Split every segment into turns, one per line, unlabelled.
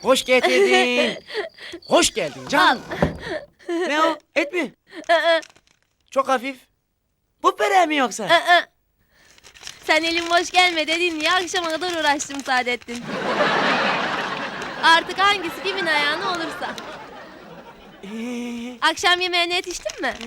Hoş getirdin. Hoş geldin canım. Ne o? Et mi? Çok hafif. Bu böreği mi yoksa?
Sen elim boş gelme dedin ya, akşama kadar uğraştım Saadettin. Artık hangisi kimin ayağına olursa. Akşam yemeğine yetiştin mi?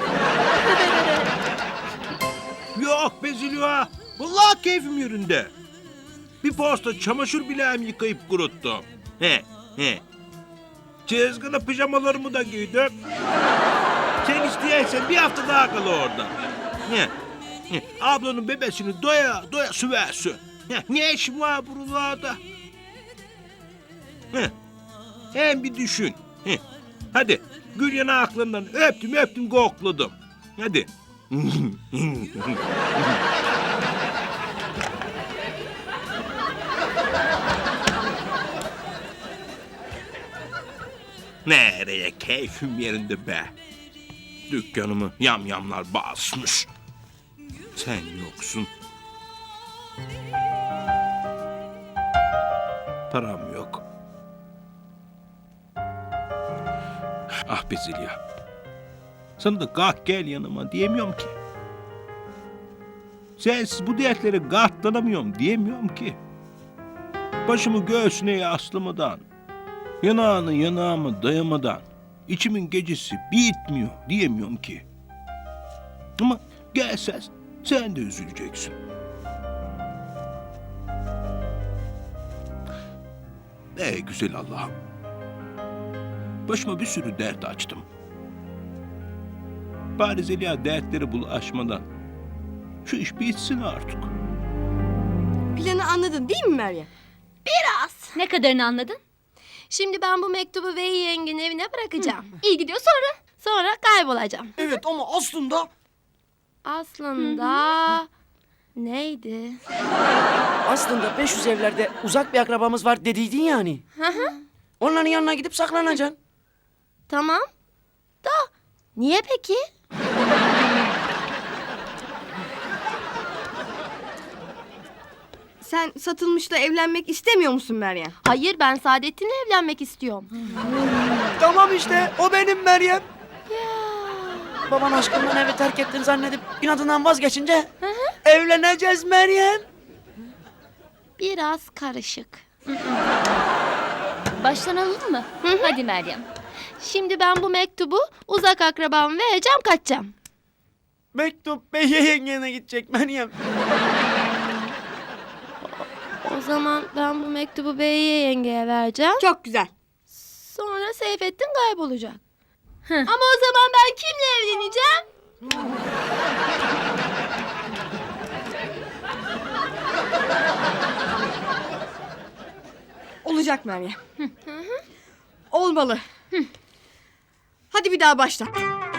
Yok be Zülüha. Vallahi keyfim yerinde. Bir posta çamaşır bileğimi yıkayıp kuruttum. He. Çizgili pijamalarımı da giydim. Sen isteyersen bir hafta daha kal orada. He. Ablanın bebesini doya doya süversin. Ne işin var buralarda? Hem bir düşün. Hadi gül yanaklarından öptüm kokladım. Hadi. Nereye keyfim yerinde be. Dükkanımı yamyamlar basmış. Sen yoksun. Param yok. Ah be Zeliha. Sana da kalk gel yanıma diyemiyorum ki. Sensiz bu dertlere katlanamıyorum diyemiyorum ki. Başımı göğsüne yaslamadan, yanağını yanağıma dayamadan, içimin gecesi bitmiyor diyemiyorum ki. Ama gelsen sen de üzüleceksin. Güzel Allah'ım. Başıma bir sürü dert açtım. Bari Zeliha dertleri bulaşmadan şu iş bitsin artık.
Planı anladın değil mi Meryem?
Ne kadarını anladın? Şimdi ben bu mektubu Veyi yengenin evine bırakacağım. İyi gidiyor sonra. Sonra kaybolacağım.
Evet ama aslında...
Aslında... Neydi?
Aslında 500 evlerde uzak bir akrabamız var dediydin yani. Onların yanına gidip saklanacaksın.
Tamam. Da niye peki?
Sen Satılmış'la evlenmek istemiyor musun Meryem?
Hayır, ben Saadettin'le evlenmek istiyorum.
Tamam işte o benim Meryem. Baban aşkından evi terk ettin zannedip inadından vazgeçince evleneceğiz Meryem.
Biraz karışık.
Baştan alalım mı? Hadi Meryem.
Şimdi ben bu mektubu uzak akrabama vereceğim, kaçacağım.
Mektup Bey'e yengene gidecek Meryem.
O zaman ben bu mektubu Bey'e yengeye vereceğim.
Çok güzel.
Sonra Seyfettin kaybolacak. Ama o zaman ben kimle evleneceğim?
Olacak Meryem. Olmalı. Hadi bir daha başla.